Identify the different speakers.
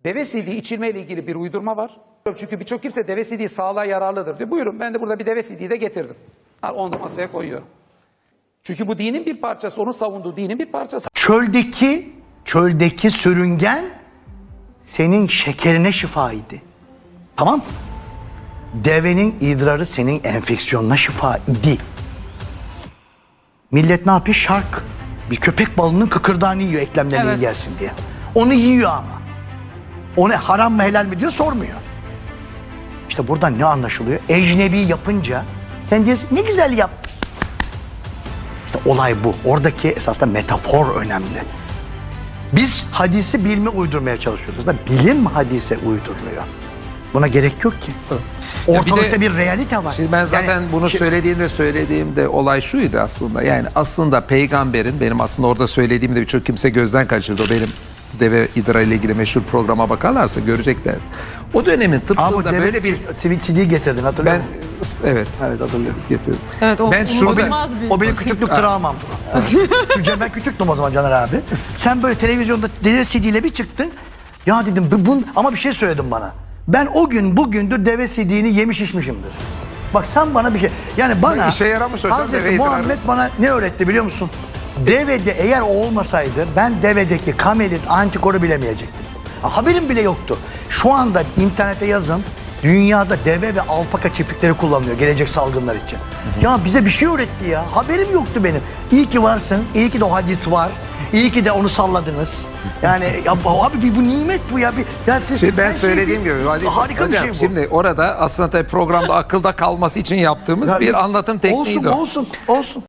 Speaker 1: Deve sidiği içilme ile ilgili bir uydurma var. Çünkü birçok kimse deve sidiği sağlığa yararlıdır diyor. Buyurun, ben de burada bir deve sidiği de getirdim. Onu da masaya koyuyorum. Çünkü bu dinin bir parçası, onun savunduğu dinin bir parçası.
Speaker 2: Çöldeki sürüngen senin şekerine şifa idi. Tamam? Devenin idrarı senin enfeksiyonuna şifa idi. Millet ne yapıyor? Şark. Bir köpek balının kıkırdağını yiyor eklemlerine iyi gelsin diye. Onu yiyor ama. O ne, haram mı helal mi diyor, sormuyor. İşte buradan ne anlaşılıyor? Ecnebi yapınca sen diyorsun ne güzel yap. İşte olay bu. Oradaki esasında metafor önemli. Biz hadisi bilime uydurmaya çalışıyoruz da bilim hadise uyduruluyor. Buna gerek yok ki. Ortalıkta bir realite var.
Speaker 3: Şimdi ben zaten
Speaker 2: Yani,
Speaker 3: bunu söylediğimde olay şuydu aslında. Yani aslında peygamberin, benim aslında orada söylediğimde birçok kimse gözden kaçırdı. O benim deve idra ile ilgili meşhur programa bakarlarsa görecekler. O dönemin tıbbında böyle bir
Speaker 2: sivil CD getirdin, hatırlıyor musun?
Speaker 3: Evet
Speaker 2: Hatırlıyorum.
Speaker 3: getirdim.
Speaker 4: Evet,
Speaker 3: ben şurada
Speaker 2: O benim küçüklük travmamdı. Çünkü ben küçüktüm o zaman Caner abi. Sen böyle televizyonda deve CD ile bir çıktın. Ya dedim ama bir şey söyledin bana. Ben o gün bugündür deve CD'ni yemiş içmişimdir. Bak sen bana bir şey... Yani bana
Speaker 3: İşe yaramış hocam,
Speaker 2: Hazreti
Speaker 3: deve
Speaker 2: Muhammed
Speaker 3: idrarı.
Speaker 2: bana ne öğretti biliyor musun? Devede eğer o olmasaydı ben devedeki kamelit antikoru bilemeyecektim. Haberim bile yoktu. Şu anda internete yazın. Dünyada deve ve alpaka çiftlikleri kullanılıyor gelecek salgınlar için. Ya bize bir şey öğretti ya. Haberim yoktu benim. İyi ki varsın. İyi ki de o hadis var. İyi ki de onu salladınız. Yani ya, abi bu nimet bu ya.
Speaker 3: ben söylediğim gibi
Speaker 2: harika
Speaker 3: hocam,
Speaker 2: bir şey bu.
Speaker 3: şimdi orada aslında tabii programda akılda kalması için yaptığımız bir anlatım tekniği.
Speaker 2: Olsun.